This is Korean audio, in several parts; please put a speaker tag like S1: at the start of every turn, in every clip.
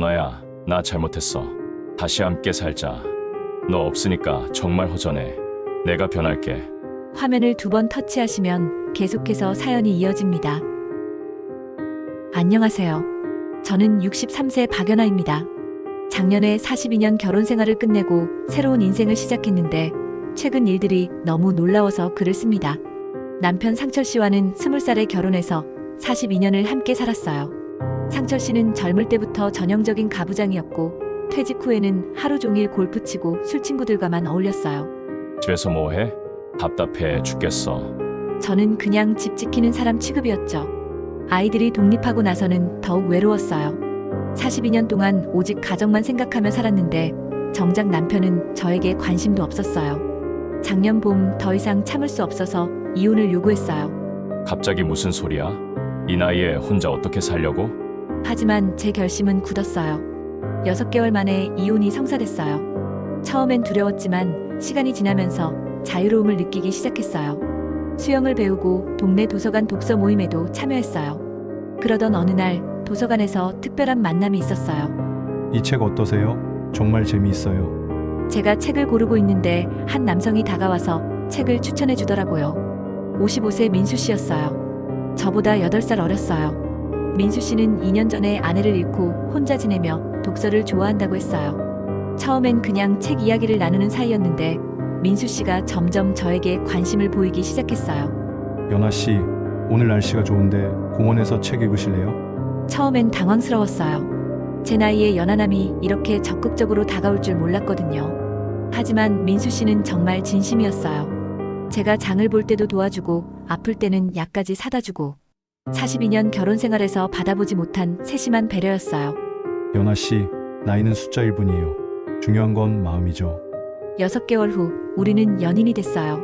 S1: 연아야, 나 잘못했어. 다시 함께 살자. 너 없으니까 정말 허전해. 내가 변할게.
S2: 화면을 2번 터치하시면 계속해서 사연이 이어집니다. 안녕하세요. 저는 63세 박연아입니다. 작년에 42년 결혼 생활을 끝내고 새로운 인생을 시작했는데 최근 일들이 너무 놀라워서 글을 씁니다. 남편 상철 씨와는 20살에 결혼해서 42년을 함께 살았어요. 상철 씨는 젊을 때부터 전형적인 가부장이었고 퇴직 후에는 하루 종일 골프 치고 술 친구들과만 어울렸어요.
S1: 집에서 뭐 해? 답답해 죽겠어.
S2: 저는 그냥 집 지키는 사람 취급이었죠. 아이들이 독립하고 나서는 더욱 외로웠어요. 42년 동안 오직 가정만 생각하며 살았는데 정작 남편은 저에게 관심도 없었어요. 작년 봄 더 이상 참을 수 없어서 이혼을 요구했어요.
S1: 갑자기 무슨 소리야? 이 나이에 혼자 어떻게 살려고?
S2: 하지만 제 결심은 굳었어요. 6개월 만에 이혼이 성사됐어요. 처음엔 두려웠지만 시간이 지나면서 자유로움을 느끼기 시작했어요. 수영을 배우고 동네 도서관 독서 모임에도 참여했어요. 그러던 어느 날 도서관에서 특별한 만남이 있었어요.
S3: 이 책 어떠세요? 정말 재미있어요.
S2: 제가 책을 고르고 있는데 한 남성이 다가와서 책을 추천해 주더라고요. 55세 민수 씨였어요. 저보다 8살 어렸어요. 민수 씨는 2년 전에 아내를 잃고 혼자 지내며 독서를 좋아한다고 했어요. 처음엔 그냥 책 이야기를 나누는 사이였는데 민수 씨가 점점 저에게 관심을 보이기 시작했어요.
S3: 연아 씨, 오늘 날씨가 좋은데 공원에서 책 읽으실래요?
S2: 처음엔 당황스러웠어요. 제 나이에 연하남이 이렇게 적극적으로 다가올 줄 몰랐거든요. 하지만 민수 씨는 정말 진심이었어요. 제가 장을 볼 때도 도와주고 아플 때는 약까지 사다 주고 42년 결혼 생활에서 받아보지 못한 세심한 배려였어요.
S3: 연아 씨, 나이는 숫자일 뿐이에요. 중요한 건 마음이죠.
S2: 6개월 후 우리는 연인이 됐어요.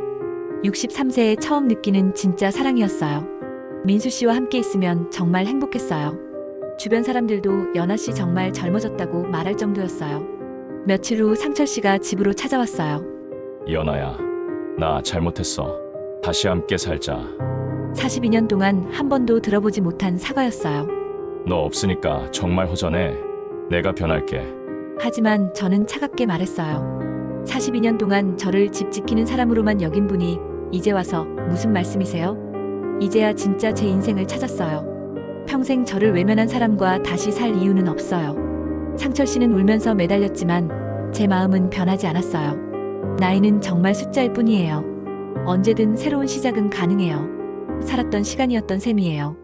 S2: 63세에 처음 느끼는 진짜 사랑이었어요. 민수 씨와 함께 있으면 정말 행복했어요. 주변 사람들도 연아 씨 정말 젊어졌다고 말할 정도였어요. 며칠 후 상철 씨가 집으로 찾아왔어요.
S1: 연아야, 나 잘못했어. 다시 함께 살자.
S2: 42년 동안 한 번도 들어보지 못한 사과였어요.
S1: 너 없으니까 정말 허전해. 내가 변할게.
S2: 하지만 저는 차갑게 말했어요. 42년 동안 저를 집 지키는 사람으로만 여긴 분이 이제 와서 무슨 말씀이세요? 이제야 진짜 제 인생을 찾았어요. 평생 저를 외면한 사람과 다시 살 이유는 없어요. 상철 씨는 울면서 매달렸지만 제 마음은 변하지 않았어요. 나이는 정말 숫자일 뿐이에요. 언제든 새로운 시작은 가능해요. 살았던 시간이었던 셈이에요.